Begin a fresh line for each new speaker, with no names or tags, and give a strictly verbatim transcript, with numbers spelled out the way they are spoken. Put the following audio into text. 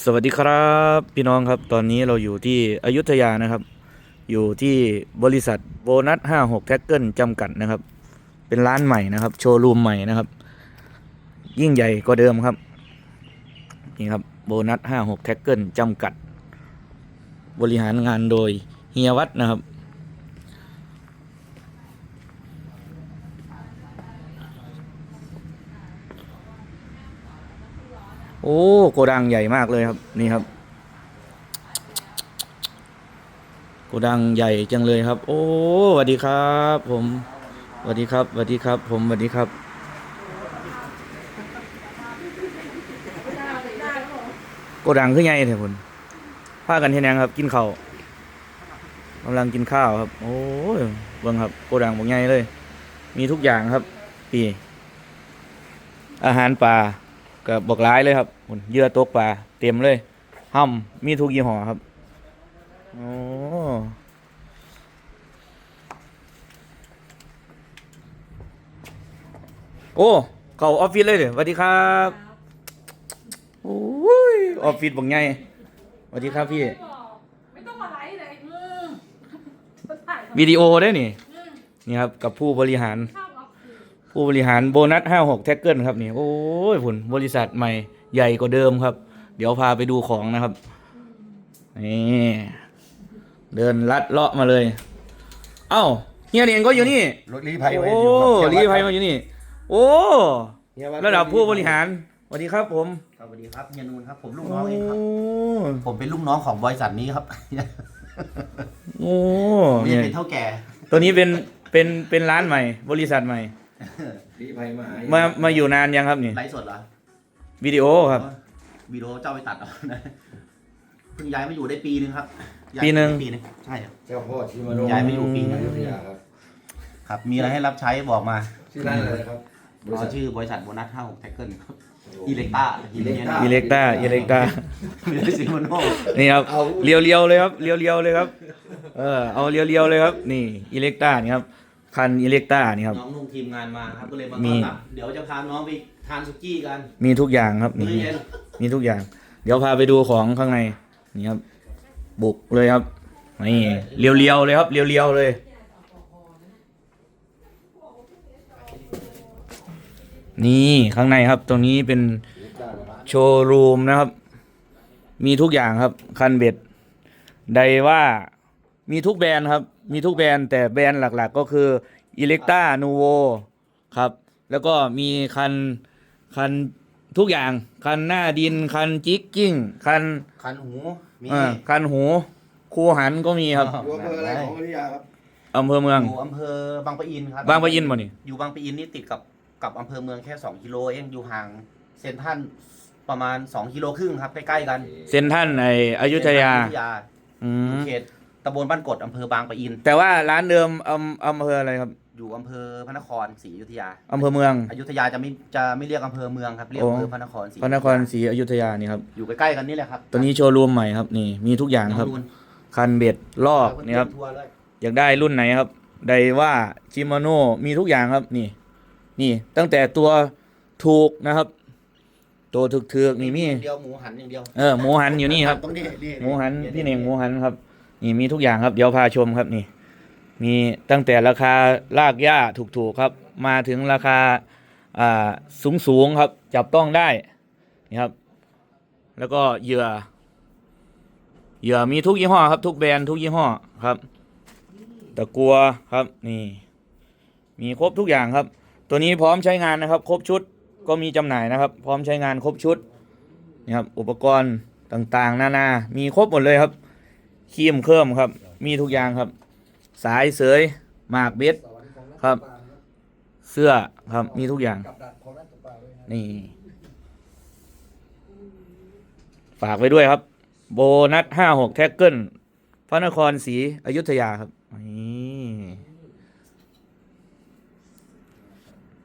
สวัสดีครับพี่น้องครับตอนนี้เราอยู่ที่อยุธยานะครับอยู่ที่บริษัทโบนัสห้าหกแท็กเกิลจำกัดนะครับเป็นร้านใหม่นะครับโชว์รูมใหม่นะครับยิ่งใหญ่กว่าเดิมครับนี่ครับโบนัสห้าหกแท็กเกิลจำกัดบริหารงานโดยเฮียวัดนะครับโอ้โกดังใหญ่มากเลยครับนี่ครับโกดังใหญ่จังเลยครับโอ้สวัสดีครับผมสวัสดีครับสวัสดีครับผมสวัสดีครับโกดังคือไงเถอะคุณพากันเฮ็ดหยังครับกินข้าวกำลังกินข้าวครับโอ้ยเบิ่งครับโกดังบ่ใหญ่เลยมีทุกอย่างครับปีอาหารปลาก็บอกหลายเลยครับพุ่นเหยื่อตกปลาเต็มเลยห้ำมีทุกยี่ห้อครับโอ้โอ้เข้าออฟฟิศเลยเด้อสวัสดีครับโอ้ยออฟฟิศบ่ใหญ่สวัสดีครับพี่
ไม่ต้องมาไลฟ์เลยอืมจะถ่ายทำไม
วิดีโอได้นี่
อืม
นี่ครับกับผู้บริหาร
ข้าวออฟฟิศ
ผู้บริหารโบนัสห้าหกแท็กเกิลครับนี่โอ้ยผลบริษัทใหม่ใหญ่กว่าเดิมครับ เดี๋ยวพาไปดูของนะครับนี่เดินลัดเลาะมาเลย เอ้าเฮียเนียนก็อยู่นี่
รถลี้ภัยไว้
โอ้
อยู่ครับ
รีภัยมาอยู่นี่โอ้
เฮียวัด
ระดับผู้บริหารสวัสดีครับผม
สวัสดีครับเฮียนูนครับผมลูก
โอ้
น้องเองครับผมเป็นลูกน้องของบริษัทนี้ครับ
โอ้
นี่
เนี่ย
เป็นเท่าแก่
ตัวนี้เป็นเป็นเป็นร้านใหม่ บริษัทใหม่
ลี้ภัยมา
มามาอยู่นานยังครับนี่
ไลฟ์สดเหรอ
วิดีโอครับ
วิดีโอเจ้าไปตัดเอานะเพิ่งย้ายมาอยู่ได้ปีนึงครับย้าย
ปีหนึ่ง
ปีนึงใช่ครับ
เจ้าพ่อชิมาโน
ย้ายมาอยู่ปีนึง
อยุธยาครับ
ครับ มีอะไรให้รับใช้บอกมา
ชื่อร้านอะไรครับบริ
เรา
ษัท
ชื่อบริษัทโบนัสห้าหกแท็กเกิลครับอีเล็กต้า
อิเล็กต้า
อิเล็กต้าอิเล็กต้า
ไม่ได้ซิโมโน
นี่ครับ
เอา
เรียวเรียวๆเลยครับเรียวเรียวๆเลยครับเออเอาเรียวเรียวๆเลยครับนี่อิเล็กต้านี่ครับคันอิเล็กต้านี่ครับ
น้องนุ่งทีมงานมาครับก็เลยมา
มี
ต้อนรับเดี๋ยวจะพาน้องไปทานสุกี้กัน
มีทุกอย่างครับนี่
มื้อเย็น
มีทุกอย่าง เดี๋ยวพาไปดูของข้างในนี่ครับ บุกเลยครับนี่เรียวเรียวๆเลยครับเรียวเรียวๆเลยนี่ข้างในครับ ตรงนี้เป็นโชว์รูมนะครับ มีทุกอย่างครับ คันเบ็ดไดว่ามีทุกแบรนด์ครับ มีทุกแบรนด์แต่แบรนด์หลักๆ ก็คือ Electa Nuvo ครับ แล้วก็มีคันคันทุกอย่าง คันหน้าดิน คันจิกกิ้ง คัน
คันหูมี
อ่าคันหู คูหันก็มีครับ
อยู่อำเภออะไรของอยุธยาครับ
อำเภอเมือง
อยู่อำเภอบางปะอินครับ
บางปะอินบ่นี่
อยู่บางปะอินนี่ติดกับกับอำเภอเมืองแค่สองกิโลเองอยู่ห่างเซ็นทรัลประมาณสองกิโลครึ่งครับใกล้ๆกัน
เซ็นทรัลในอยุธยา
เซ็นทรัลอยุธยา
อื
อยู่
ม
เขตตำบลบ้านกดอำเภอบางปะอิน
แต่ว่าร้านเดิมอำอำเภออะไรครับ
อยู่อำเภอพระนครศรีอยุธยา
อำเภอเมือง
อยุธยาจะไม่จะไม่เรียกอำเภอเมืองครับเรียก
โอ้
อำเภอพระนครศรี
พระนครศรีอยุธยานี่ครับ
อยู่ใกล้ๆกันนี่แหละครับ
ตัวนี้โชว์รูมใหม่ครับ นี่ มีทุกอย่างครับ
น้องนูน
คันเบ็ดลอกนี่ครับ
ทัวร์เลย
อยากได้รุ่นไหนครับ ไดว่าชิมาโน่มีทุกอย่างครับ นี่ นี่ ตั้งแต่ตัวถูกนะครับ ตัวถึกๆนี่มี
เดียวหมูหันอย่างเดียว
เออ หมูหันอยู่นี่ครับ
ตรงนี้นี่
หมูหัน พี่เน่งหมูหันครับ นี่มีทุกอย่างครับ เดี๋ยวพาชมครับ นี่ มีตั้งแต่ราคาลากหญ้าถูกๆครับ มาถึงราคา อ่า สูงๆครับ จับต้องได้ นี่ครับ แล้วก็เหยื่อ เหยื่อมีทุกยี่ห้อครับ ทุกแบรนด์ทุกยี่ห้อครับ ตะกัวครับนี่ มีครบทุกอย่างครับ ตัวนี้พร้อมใช้งานนะครับ ครบชุดก็มีจำหน่ายนะครับ พร้อมใช้งานครบชุดนี่ครับ อุปกรณ์ต่างๆ นานา มีครบหมดเลยครับครีมเครื่องครับ มีทุกอย่างครับ สายเสยหมากเบ็ดครับ เสื้อครับมีทุกอย่างนี่ฝากไว้ด้วยครับ โบนัสห้าหกแท็กเกิลพระนครศรีอยุธยาครับนี่